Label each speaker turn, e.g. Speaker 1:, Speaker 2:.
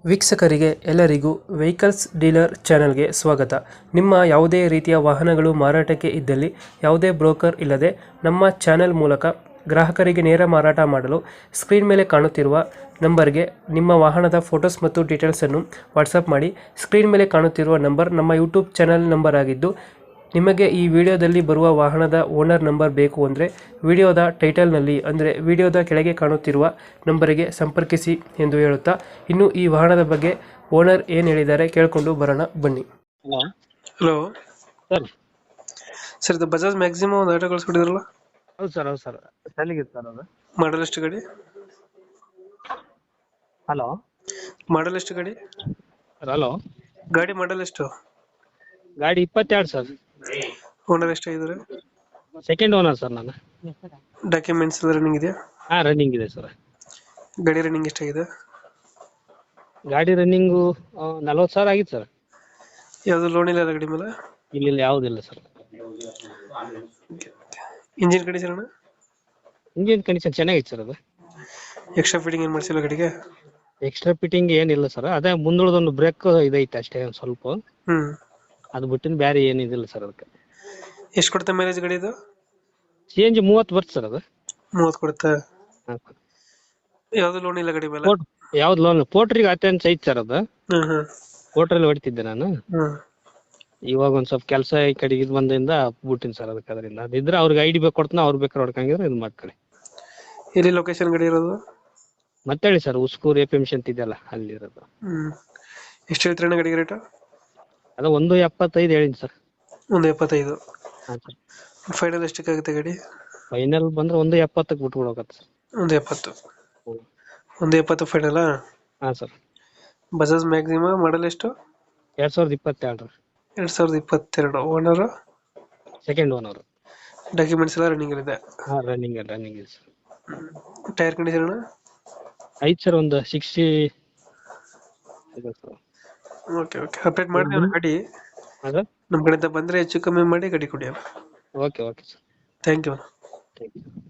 Speaker 1: ವೀಕ್ಷಕರಿಗೆ ಎಲ್ಲರಿಗೂ vehicles dealer ಚಾನೆಲ್ಗೆ ಸ್ವಾಗತ. ನಿಮ್ಮ ಯಾವುದೇ ರೀತಿಯ ವಾಹನಗಳು ಮಾರಾಟಕ್ಕೆ ಇದ್ದಲ್ಲಿ ಯಾವುದೇ ಬ್ರೋಕರ್ ಇಲ್ಲದೆ ನಮ್ಮ ಚಾನೆಲ್ ಮೂಲಕ ಗ್ರಾಹಕರಿಗೆ ನೇರ ಮಾರಾಟ ಮಾಡಲು ಸ್ಕ್ರೀನ್ ಮೇಲೆ ಕಾಣುತ್ತಿರುವ ನಂಬರ್ಗೆ ನಿಮ್ಮ ವಾಹನದ ಫೋಟೋಸ್ ಮತ್ತು ಡೀಟೇಲ್ಸನ್ನು ವಾಟ್ಸಪ್ ಮಾಡಿ. ಸ್ಕ್ರೀನ್ ಮೇಲೆ ಕಾಣುತ್ತಿರುವ ನಂಬರ್ ನಮ್ಮ ಯೂಟ್ಯೂಬ್ ಚಾನೆಲ್ ನಂಬರ್ ಆಗಿದ್ದು, ನಿಮಗೆ ಈ ವಿಡಿಯೋದಲ್ಲಿ ಬರುವ ವಾಹನದ ಓನರ್ ನಂಬರ್ ಬೇಕು ಅಂದರೆ ವಿಡಿಯೋದ ಟೈಟಲ್ನಲ್ಲಿ ಅಂದರೆ ವಿಡಿಯೋದ ಕೆಳಗೆ ಕಾಣುತ್ತಿರುವ ನಂಬರಿಗೆ ಸಂಪರ್ಕಿಸಿ ಎಂದು ಹೇಳುತ್ತಾ, ಇನ್ನು ಈ ವಾಹನದ ಬಗ್ಗೆ ಓನರ್ ಏನು ಹೇಳಿದ್ದಾರೆ ಕೇಳಿಕೊಂಡು ಬರೋಣ ಬನ್ನಿ.
Speaker 2: Hello
Speaker 1: hello
Speaker 2: sir.
Speaker 1: ಸರ್, ಇದು ಬಜಾಜ್ ಮ್ಯಾಕ್ಸಿಮಮ್ ಒಂದು ಆಟೋ ಕಳಿಸ್ಕೊಟ್ಟಿದ್ರಲ್ಲ,
Speaker 2: ಹೌದು ಸರ್, ಹೌದು ಸರ್. ಚೆನ್ನಾಗಿದೆ ಸರ್ ಅದು.
Speaker 1: ಮಾಡಲ್ ಎಷ್ಟು ಗಾಡಿ?
Speaker 2: ಹಲೋ
Speaker 1: ಮಾಡಲ್ ಎಷ್ಟು ಗಾಡಿ?
Speaker 2: ಹಲೋ,
Speaker 1: ಗಾಡಿ ಮಾಡಲ್ ಎಷ್ಟು?
Speaker 2: ಗಾಡಿ 22 ಸರ್.
Speaker 1: ಓನರ್ ಎಷ್ಟಾಗಿದ್ದಾರೆ?
Speaker 2: ಸೆಕೆಂಡ್ ಓನರ್ ಸರ್ ನಾನು.
Speaker 1: ಡಾಕ್ಯುಮೆಂಟ್ಸ್ ಎಲ್ಲ ರನ್ನಿಂಗ್ ಇದೆಯಾ?
Speaker 2: ಹಾಂ, ರನ್ನಿಂಗ್ ಇದೆ ಸರ್.
Speaker 1: ಗಾಡಿ ರನ್ನಿಂಗ್ ಎಷ್ಟಾಗಿದೆ?
Speaker 2: ಗಾಡಿ ರನ್ನಿಂಗು 40,000 ಆಗಿತ್ತು ಸರ್.
Speaker 1: ಯಾವುದು ಲೋನ್ ಇಲ್ಲ ಗಾಡಿ ಮೇಲೆ?
Speaker 2: ಇಲ್ಲಿ ಯಾವುದಿಲ್ಲ ಸರ್.
Speaker 1: ಇಂಜಿನ್ ಕಂಡೀಷನ್ ಅಣ್ಣ?
Speaker 2: ಇಂಜಿನ್ ಕಂಡೀಷನ್ ಚೆನ್ನಾಗಿತ್ತು ಸರ್. ಅದು
Speaker 1: ಎಕ್ಸ್ಟ್ರಾ ಫಿಟ್ಟಿಂಗ್ ಏನು ಮಾಡಿಸಿಲ್ಲ ಗಾಡಿಗೆ?
Speaker 2: ಎಕ್ಸ್ಟ್ರಾ ಫಿಟ್ಟಿಂಗ್ ಏನಿಲ್ಲ ಸರ್. ಅದೇ ಮುಂದುಳದೊಂದು ಬ್ರೇಕ್ ಇದೈತೆ ಅಷ್ಟೇ, ಒಂದು ಸ್ವಲ್ಪ. ಅದು ಬಿಟ್ಟಿನ ಬೇರೆ ಏನಿದಿಲ್ಲ ಸರ್. ಅದಕ್ಕೆ
Speaker 1: ಎಷ್ಟು ಕೊಡುತ್ತೆ ಮೈಲೇಜ್ ಗಾಡಿ ಇದು?
Speaker 2: CNG 30 ಬರ್ತದೆ ಸರ್. ಅದು
Speaker 1: 30 ಕೊಡುತ್ತೆ.
Speaker 2: ಹಾಂ.
Speaker 1: ಯಾವ್ದು ಲೋನ್ ಇಲ್ಲ ಗಾಡಿ ಮೇಲೆ?
Speaker 2: ಯಾವ್ದು ಲೋನ್? ಪೋಟ್ರಿಗೆ ಅಟೆನ್ಸ್ ಐತೆ ಸರ್. ಅದು
Speaker 1: ಹ್ಮ್
Speaker 2: ಪೋಟ್ರಲ್ಲಿ ಹೊಡಿತಿದ್ದೆ ನಾನು.
Speaker 1: ಹ್ಮ್
Speaker 2: ಇವಾಗ ಒಂದ್ ಸ್ವಲ್ಪ ಕೆಲಸ ಈ ಕಡೆಗೆ ಇದು ಬಂದಿಂದ ಬಿಟ್ಟಿನಿ ಸರ್. ಅದಕ್ಕೆ ಅದರಿಂದ ಅದಿದ್ರೆ ಅವ್ರಿಗೆ ಐಡಿ ಬೇಕು ಕೊಡ್ತಾನ, ಅವ್ರು ಬೇಕಾದ್ರೆ ಹೊಡ್ಕಂಗಿದ್ರೆ ಇದು ಮಾಡ್ಕೊಳ್ಳಿ.
Speaker 1: ಎಲ್ಲಿ ಲೊಕೇಶನ್ ಗಾಡಿ ಇರೋದು?
Speaker 2: ಮತ್ತೆ ಹೇಳಿ ಸರ್, ಉಸ್ಕೂರ್ APMC ಅಂತ ಇದೆಯಲ್ಲ, ಅಲ್ಲಿರೋದು.
Speaker 1: ಎಷ್ಟು ಹೇಳ್ತೀರಣ್ಣ ಗಾಡಿಗೆ ರೇಟು?
Speaker 2: ಅದು 1.75 ಹೇಳಿನಿ ಸರ್.
Speaker 1: 1.75.
Speaker 2: ಹಾಂ ಸರ್.
Speaker 1: ಫೈನಲ್ ಎಷ್ಟಕ್ಕಾಗುತ್ತೆ ಗಾಡಿ?
Speaker 2: ಫೈನಲ್ ಬಂದ್ರೆ 1.70ಕ್ಕೆ ಬಿಟ್ಬಿಡೋಕತ್ತೆ ಸರ್.
Speaker 1: 1.70. 1.70 ಫೈನಲ್?
Speaker 2: ಹಾಂ ಸರ್.
Speaker 1: ಬಜಾಜ್ ಮ್ಯಾಕ್ಸಿಮ ಮಾಡಲ್ ಎಷ್ಟು?
Speaker 2: 2022.
Speaker 1: 2022. ಓನರ್?
Speaker 2: Second owner.
Speaker 1: ಡಾಕ್ಯುಮೆಂಟ್ಸ್ ಎಲ್ಲ ರನ್ನಿಂಗ್ ಇದೆ?
Speaker 2: ಹಾಂ, ರನ್ನಿಂಗ್ ಇದೆ ಸರ್.
Speaker 1: Tyre condition?
Speaker 2: ಐತೆ ಸರ್, ಒಂದು 60 ಇದೆ ಸರ್.
Speaker 1: ಓಕೆ ಅಪ್ಡೇಟ್ ಮಾಡ್ತೀವಿ ಗಾಡಿ.
Speaker 2: ಹಾಂ
Speaker 1: ನಮ್ಮ ಕಡೆಯಿಂದ ಬಂದರೆ ಹೆಚ್ಚು ಕಮ್ಮಿ ಮಾಡಿ ಗಾಡಿ ಕೊಡಿ.
Speaker 2: Okay sir.
Speaker 1: Thank you.
Speaker 2: Thank you.